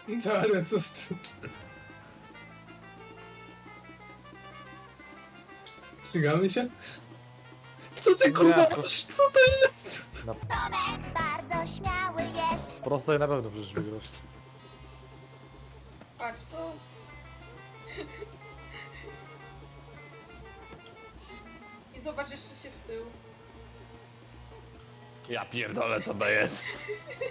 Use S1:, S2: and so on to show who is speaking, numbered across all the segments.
S1: Ale co z tym? Ścigamy się? Co ty kurwa
S2: Nie,
S1: masz? Co to jest?
S3: Tomek bardzo śmiały jest.
S2: Prosto i na pewno przecież wygrasz.
S4: Patrz to. I zobacz jeszcze się w tył.
S2: Ja pierdolę, co to jest.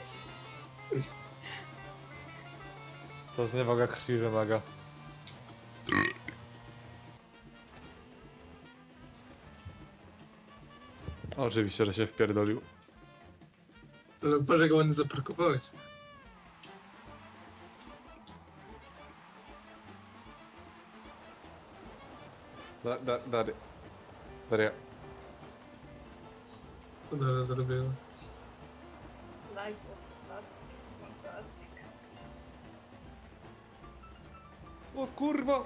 S2: To zniewaga krwi wymaga. Oczywiście, że się wpierdolił.
S1: Ale patrz jak ładnie zaparkowałeś.
S2: Daria.
S1: Co dalej zrobiłem?
S4: Life of plastic is fantastic.
S2: O kurwa!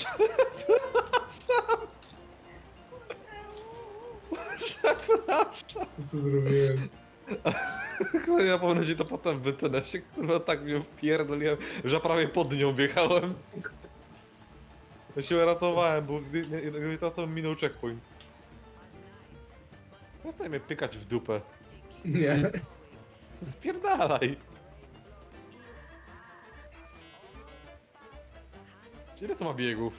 S1: Co tu zrobiłem?
S2: Ja ponoć to potem wytnę się, kurwa, tak mnie wpierdoliłem, że prawie pod nią wjechałem. Ja się ratowałem, bo gdyby to minął checkpoint. Przestań mnie pykać w dupę.
S1: Nie.
S2: Spierdalaj! Ile to ma biegów?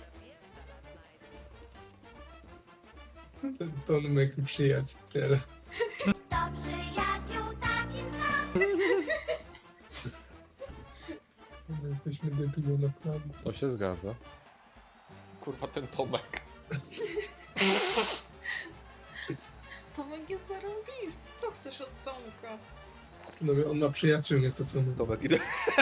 S1: Ten Tomek przyjaciel.
S3: To przyjaciół takich znam.
S1: My jesteśmy debilą naprawdę.
S2: To się zgadza. Kurwa, ten Tomek.
S4: Tomek jest zarąbisty. Co chcesz od Tomka?
S1: No on ma przyjaciół, nie to co my.
S2: Tomek, idę.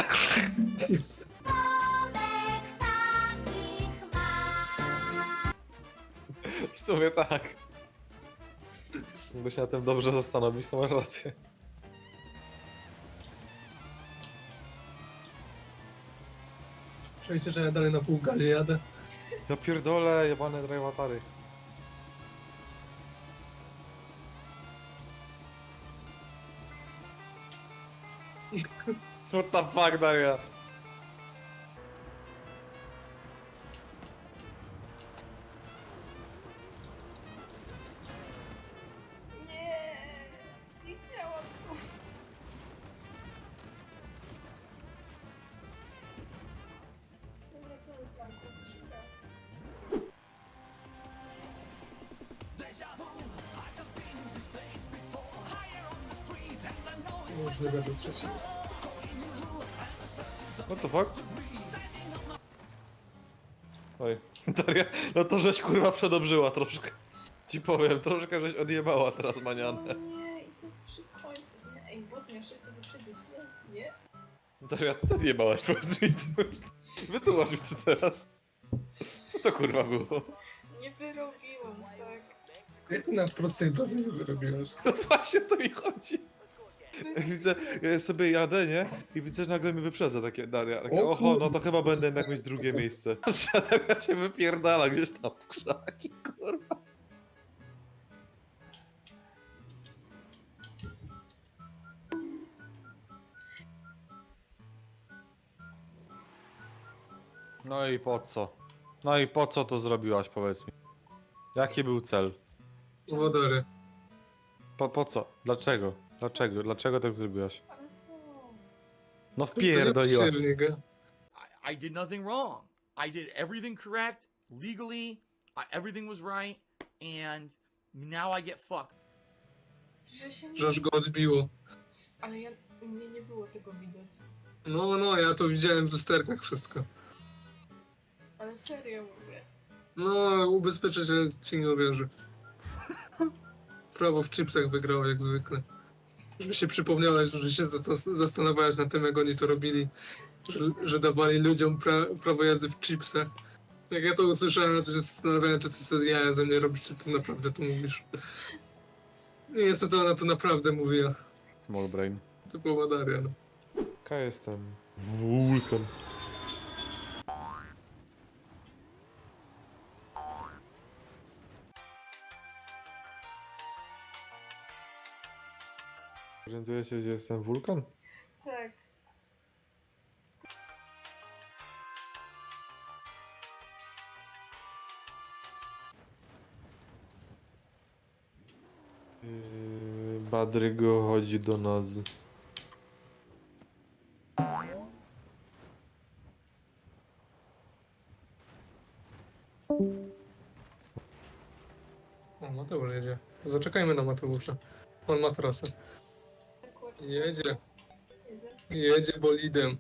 S3: Tomek takich ma.
S2: W sumie tak. Jakby się na tym dobrze zastanowić, to masz rację.
S1: Przejście, że ja dalej na pół gali jadę.
S2: Ja pierdolę, jebane drivatary. What the fuck, Daria?
S4: Nie, nie chciałam tu. Czy mnie ten znak ostrzega?
S1: Możliwe, że trzeci jest.
S2: What the fuck? Oj, Daria, no to żeś kurwa przedobrzyła troszkę. Ci powiem, troszkę żeś odjebała teraz
S4: O
S2: manianę.
S4: nie, i to przy końcu. Nie, ej, bot miał wszyscy wyprzedzić, nie? Nie?
S2: Daria, co ty odjebałaś? Powiedz mi to. Wytłumacz mi to teraz. Co to kurwa było?
S4: Nie wyrobiłam, tak.
S1: Jak ty na prostej drodze nie wyrobiłaś?
S2: No właśnie o to mi chodzi. Jak widzę, ja sobie jadę, nie? I widzę, że nagle mi wyprzedza takie Daria. Takie,
S1: O
S2: oho, no
S1: kurde.
S2: to chyba będę jednak mieć drugie miejsce. A Daria się wypierdala gdzieś tam w krzaki, kurwa. No i po co? No i po co to zrobiłaś, powiedz mi? Jaki był cel?
S1: Powodory.
S2: Po co? Dlaczego? Dlaczego? Dlaczego tak zrobiłaś?
S4: Ale co?
S2: No wpierdoliłaś.
S5: I did nothing wrong. I did everything correct, legally, everything was right, and now I get fucked.
S4: Że się nie...
S1: Że aż go odbiło.
S4: Ale ja... U mnie nie było tego widać.
S1: No, ja to widziałem w lusterkach wszystko.
S4: Ale serio mówię.
S1: No, ubezpieczyciel ci nie uwierzy. Prawo w chipsach wygrało jak zwykle. Żeby się przypomniałeś, że się zastanawiałeś nad tym, jak oni to robili. Że dawali ludziom prawo jazdy w chipsach. Jak ja to usłyszałem, to się zastanawiałem, czy ty sobie jaja ze mnie robisz, czy ty naprawdę to mówisz. Nie, niestety ona to naprawdę mówiła.
S2: Small brain.
S1: Typowa Daria, no.
S2: Jaka jestem? Wulkan. Orientuję się, gdzie jestem wulkan?
S4: Tak.
S2: Padrygo chodzi do nas.
S1: O, Mateusz jedzie. Zaczekajmy na Mateusza. On ma trasę.
S4: Akurat
S1: Jedzie.
S4: jedzie.
S1: Jedzie bolidem.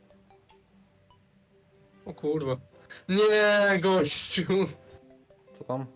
S1: O kurwa. Nie, gościu.
S2: Co tam?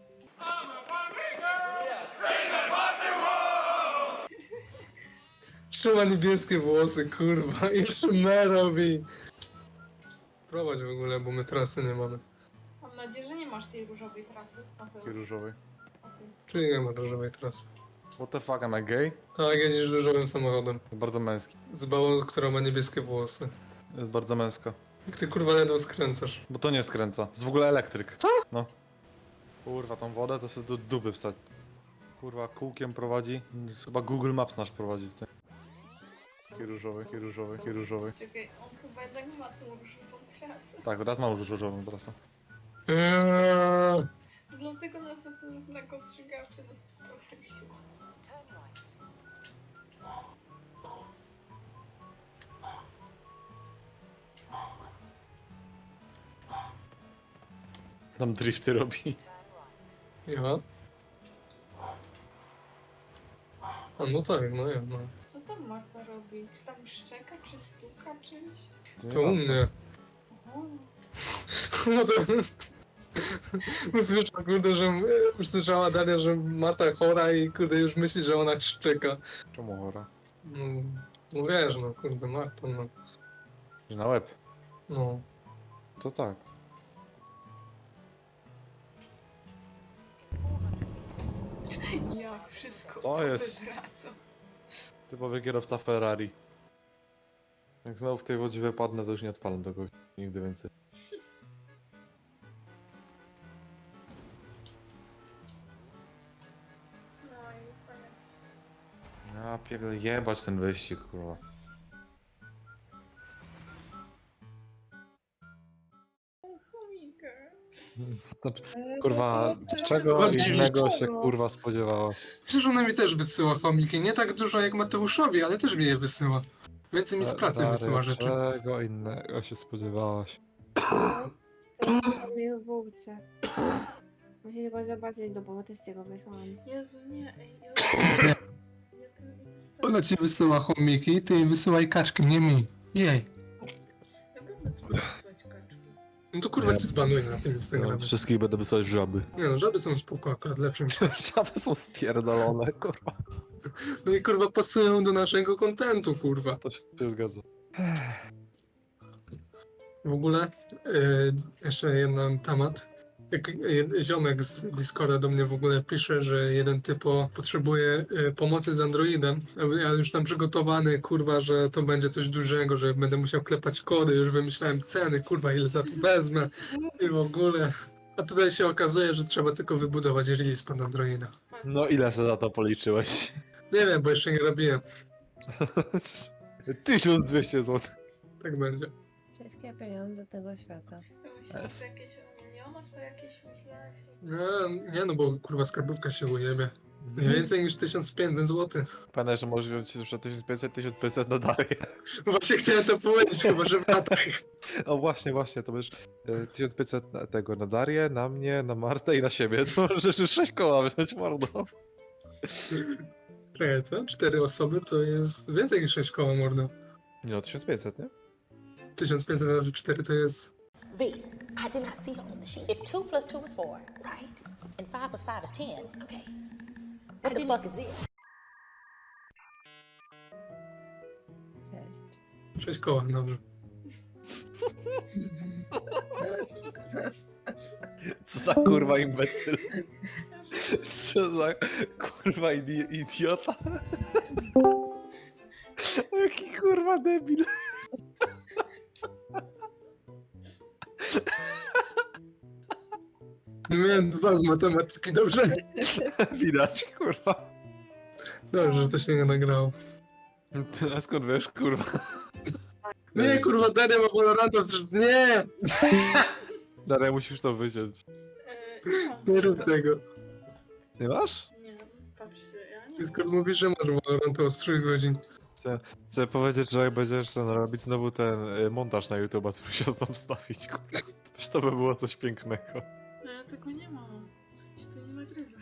S1: Trzyma niebieskie włosy, kurwa. Jeszcze me robi. Prowadź w ogóle, bo my trasy nie mamy.
S4: Mam nadzieję, że nie masz tej różowej trasy. Mateusz.
S2: Taki różowy.
S4: Okej.
S1: Czyli nie ma różowej trasy.
S2: What the fuck, am I gay?
S1: Tak, jedziesz różowym samochodem.
S2: Jest bardzo męski.
S1: Z babą, która ma niebieskie włosy.
S2: Jest bardzo męska.
S1: Jak ty kurwa ledwo skręcasz.
S2: Bo to nie skręca. To jest w ogóle elektryk. Co? No. Kurwa, tą wodę to sobie do dupy wstać. Kurwa, kółkiem prowadzi. Chyba Google Maps nasz prowadzi. Taki różowy, taki różowy, taki różowy.
S4: Czekaj, on chyba jednak ma tą różową trasę.
S2: Tak, teraz mam już różową trasę.
S4: To dlatego nas na ten znak ostrzegawczy nas poprowadziło.
S2: Tam drifty robi.
S1: Ja? A no tak, no ja, no.
S4: Co tam Marta robi? Czy tam szczeka, czy stuka czymś?
S1: To u mnie.
S4: O,
S1: No to... Usłyszał, kurde, że... Usłyszała Daria, że Marta chora i kurde już myśli, że ona szczeka.
S2: Czemu chora?
S1: No, no wiesz, no kurde, Marta, no.
S2: Że na łeb.
S1: No.
S2: To tak.
S4: jak wszystko
S2: To jest-
S4: wywraca.
S2: Typowy kierowca Ferrari. Jak znowu w tej wodzie wypadnę, to już nie odpalam tego nigdy więcej.
S4: No i koniec.
S2: Ja pierdolę, jebać ten wyścig, kurwa.
S4: Chomika.
S2: Znaczy, kurwa, czego
S1: Zobaczcie,
S2: innego się kurwa spodziewałaś?
S1: Przecież ona mi też wysyła chomiki, nie tak dużo jak Mateuszowi, ale też mi je wysyła. Więcej mi z pracy
S2: Stary,
S1: wysyła rzeczy.
S2: Czego innego się spodziewałaś?
S6: To mi w bułce. Musisz go zobaczyć, bo też z tego wyszłam.
S4: Jezu, nie, ej, nie ten Insta.
S1: Ona ci wysyła chomiki, ty jej wysyłaj kaczki, nie mi. Jej.
S4: Ja będę tu wysłać kaczki.
S1: No to kurwa
S2: Nie.
S1: ci zbanuję na tym Instagramie.
S2: Wszystkich będę wysyłać żaby.
S1: Nie no, żaby są spoko, akurat lepsze niż...
S2: Żaby są spierdolone, kurwa.
S1: No i kurwa pasują do naszego kontentu, kurwa.
S2: To się zgadza.
S1: W ogóle, jeszcze jeden temat. Jak ziomek z Discorda do mnie w ogóle pisze, że jeden typo potrzebuje pomocy z Androidem. Ja już tam przygotowany, kurwa, że to będzie coś dużego, że będę musiał klepać kody, już wymyślałem ceny, kurwa, ile za to wezmę i w ogóle. A tutaj się okazuje, że trzeba tylko wybudować release pod Androida.
S2: No ile sobie za to policzyłeś?
S1: Nie wiem, bo jeszcze nie robiłem.
S2: 1200 zł.
S1: Tak będzie.
S6: Wszystkie pieniądze tego świata.
S4: Ja myślałam, że jakieś o milionach, to jakieś myślałeś.
S1: Nie no, bo kurwa skarbówka się ujebie. Nie więcej niż 1500 zł.
S2: Pamiętaj, że możesz wziąć jeszcze 1500 na Darię.
S1: Właśnie chciałem to powiedzieć, chyba że w latach.
S2: O właśnie, to będziesz 1500 na tego na Darię, na mnie, na Martę i na siebie. To możesz już 6 koła wziąć, mordo.
S1: Czekaj, co? 4 osoby to jest więcej niż 6 koła, mordo.
S2: Nie no, 1500, nie?
S1: 1500 razy 4 to jest...
S7: V, I did not see her on the sheet. If 2 plus 2 is 4, right? And 5 plus 5 is 10, okay. What the fuck is this?
S6: Cześć.
S1: 6 koła, dobrze.
S2: Co za kurwa imbecyl. Co za kurwa idiota. Jaki kurwa debil.
S1: Miałem 2 z matematyki, dobrze?
S2: Widać, kurwa.
S1: Dobrze, że to się nie nagrało.
S2: Ty, a skąd wiesz, kurwa?
S1: Nie, kurwa, Daria ma Valoranta, przecież nie!
S2: Daria, musisz to wyciąć.
S4: Nie mam.
S1: Nie rób tego.
S2: Nie masz?
S4: Nie, patrz. Ja nie
S1: Discord mówi, że masz Valorant od 3 godzin.
S2: Chcę powiedzieć, że jak będziesz ten robić znowu ten montaż na YouTube, to musiał tam wstawić. Kurwa. Też to by było coś pięknego.
S4: Ja tego nie mam. Się to nie nagrywa.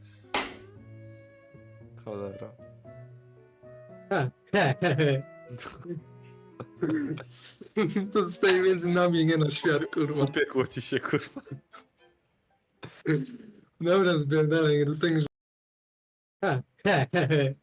S2: Cholera.
S1: To zostaje między nami, nie na świat, kurwa.
S2: Upiekło ci się, kurwa.
S1: Dobra, zbierdalaj, nie dostaniesz.